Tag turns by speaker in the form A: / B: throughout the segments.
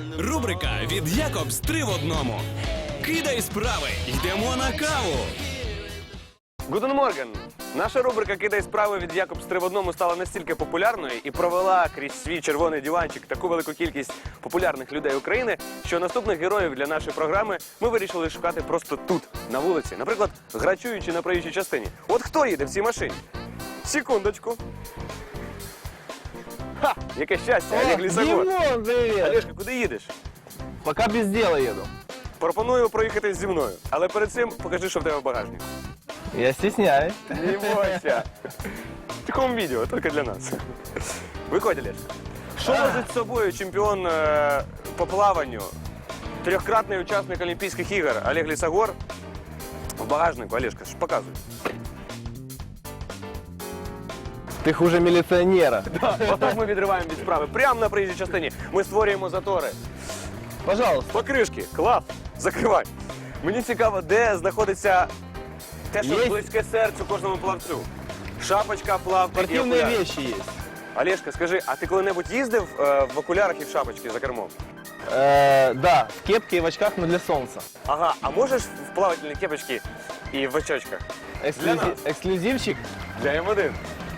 A: Рубрика від Якобс 3 в одному. Кидай справи, йдемо на каву.
B: Гутен Морген! Наша рубрика «Кидай справи» від Якобс 3 в одному стала настільки популярною і провела крізь свій червоний диванчик таку велику кількість популярних людей України, що наступних героїв для нашої програми ми вирішили шукати просто тут, на вулиці. Наприклад, грачуючи на проїжджій частині. От хто їде в цій машині? Секундочку. Ха! Яке щастя, Олег Лісогор.
C: Димон, привет!
B: Олежка, куди їдеш?
C: Пока без дела еду.
B: Пропоную проїхати зі мною. Але перед цим покажи, що в тебе в багажнику.
C: Я стесняюсь.
B: Не бойся. В такому відео, тільки для нас. Виходь, Олежка. Що возить з собою чемпіон по плаванню, трьохкратний учасник Олімпійських ігор Олег Лісогор в багажнику? Олежка, що показуй.
C: Ты хуже милиционера.
B: Отак ми відриваємо від справи. Прямо на проїжджій частині ми створюємо затори.
C: Пожалуйста.
B: Покришки, клас, закривай. Мені цікаво, де знаходиться те, що
C: Є?
B: близьке серцю кожному плавцю. Шапочка, плавки і
C: Спортивные
B: окуляри.
C: вещи есть.
B: Олежка, скажи, а ти коли-небудь їздив в окулярах і в шапочці за кермом?
C: Да, в кепке и в очках, но для солнца.
B: Ага, а можеш в плавательній кепочці і в очочках? Для нас.
C: Эксклюзивчик.
B: Для М1.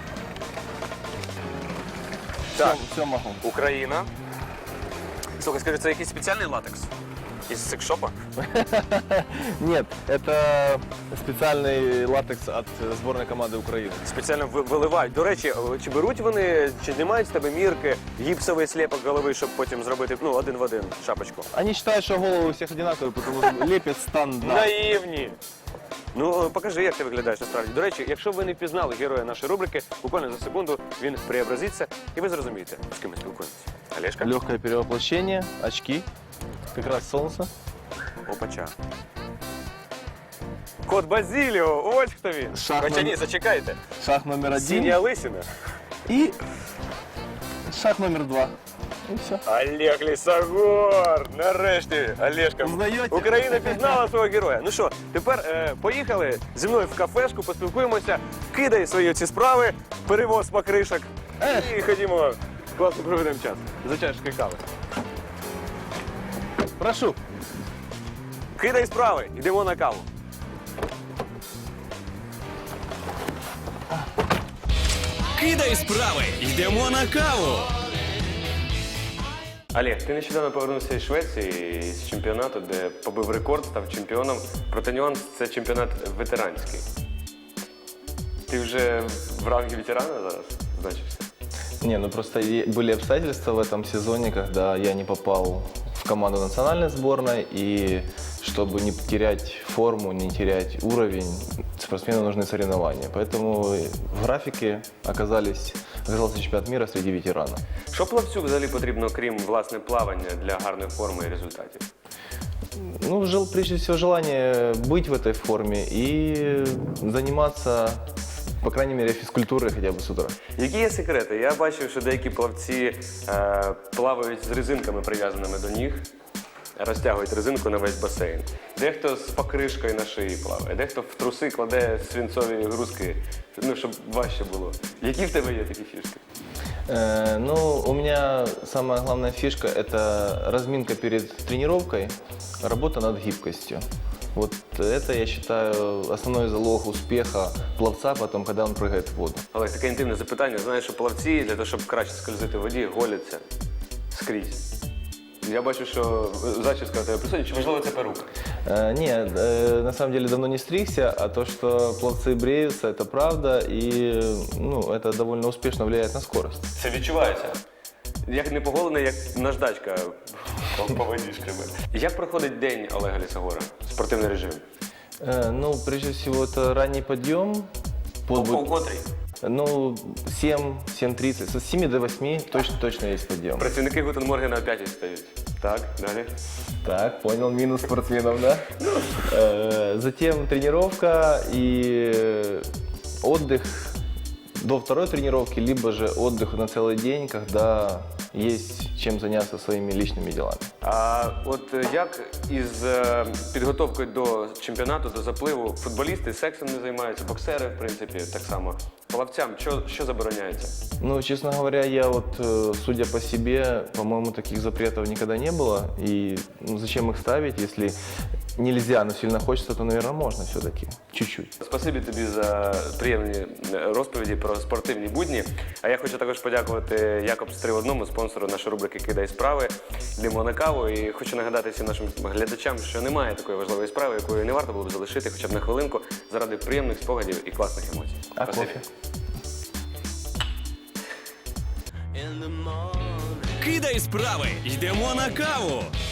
B: Так,
C: Все могу.
B: Україна. Слухай, скажи, це якийсь спеціальний латекс? Із секшопа?
C: Нет, это специальный латекс от сборной команды Украины.
B: Спеціально виливають. До речі, чи беруть вони, чи знімають з тебе мірки, гіпсовий сліпок голови, щоб потім зробити, ну, один в один шапочку?
C: Они считают, что головы у всех одинаковые, потому что лепят стандарт.
B: Наївні! Ну, покажи, як ти виглядаєш насправді. До речі, якщо ви не впізнали героя нашої рубрики, буквально за секунду він преобразиться, і ви зрозумієте, з ким ми спілкуємося. Олежка?
C: Легкое перевоплощение, очки, как раз солнце.
B: Опача. Кот Базіліо, ось хто він.
C: Шах
B: Хоча ні,
C: номер-
B: зачекайте.
C: Шаг номер один
B: Синя лисина.
C: и шаг номер два. И все.
B: Олег Лісогор! Нарешті, Олежка.
C: Узнаєте?
B: Україна пізнала свого героя. Ну що, тепер поїхали зі мною в кафешку, поспілкуємося, кидай свої ці справи, перевоз покришок і ходімо, класно проведемо час. За чашкою кави.
C: Прошу.
B: Кидай справи, йдемо на каву.
A: Кидай справи, йдемо на каву.
B: Олег, ти нещодавно повернувся із Швеції, з чемпіонату, де побив рекорд, став чемпіоном. Проте нюанс – це чемпіонат ветеранський. Ти вже в рангі ветерана зараз значишся?
C: Не, ну просто были обстоятельства в этом сезоне, когда я не попал в команду национальной сборной, и чтобы не терять форму, не терять уровень, спортсмену нужны соревнования. Поэтому в графике оказался чемпионат мира среди ветеранов.
B: Що плавцю взагалі потрібно, крім власне плавання, для гарної форми і результатів?
C: Ну, прежде всего, желание быть в этой форме и заниматься, по крайней мере, физкультурой хотя бы с утра.
B: Які є секрети? Я бачив, що деякі плавці плавають з резинками, прив'язаними до ніг, розтягують резинку на весь басейн. Дехто з покришкою на шиї плаває, дехто в труси кладе свинцові грузки, ну, щоб важче було. Які в тебе є такі фішки?
C: Ну, у меня самая главная фишка – это разминка перед тренировкой, работа над гибкостью. Вот это, я считаю, основной залог успеха пловца потом, когда он прыгает в воду.
B: Олег, таке інтимне запитання. Знаєш, що плавці для того, щоб краще скользити в воді, голяться скрізь. Я бачу, що зачіска у тебе присутня, чи можливо це перука?
C: Нет, на самом деле давно не стригся, а то, что пловцы бреются, это правда, и ну, это довольно успешно влияет на скорость.
B: Це відчувається. Як не поголений, як наждачка по водішками. Як проходить день Олега Лісогора? Спортивний режим?
C: Ну, прежде всего, это ранний подъем.
B: Котрий?
C: Ну, 7-7:30, с 7 до 8 точно есть подъем.
B: Працівники Гутен Моргена о 5 встають. Так, далі.
C: Так, понял, минус спортсменов, да? Затем тренировка и отдых до второй тренировки, либо же отдых на целый день, когда есть чем заняться своими личными делами.
B: А от як із підготовкою до чемпіонату, до запливу, футболісти сексом не займаються, боксери, в принципі, так само. Плавцям що забороняється?
C: Ну, честно говоря, я вот, судя по себе, по-моему, таких запретов никогда не было. И ну, зачем их ставить, если нельзя, но сильно хочется, то, наверное, можно все-таки. Чуть-чуть.
B: Спасибі тобі за приємні розповіді про спортивні будні. А я хочу також подякувати Якобс 3 в 1, спонсору нашої рубрики «Кидай справи», Лімона Каву. І хочу нагадати всім нашим глядачам, що немає такої важливої справи, якою не варто було б залишити хоча б на хвилинку заради приємних спогадів і класних емоцій.
C: А
B: Спасибі.
C: кофе?
A: Кидай справи, йдемо на каву.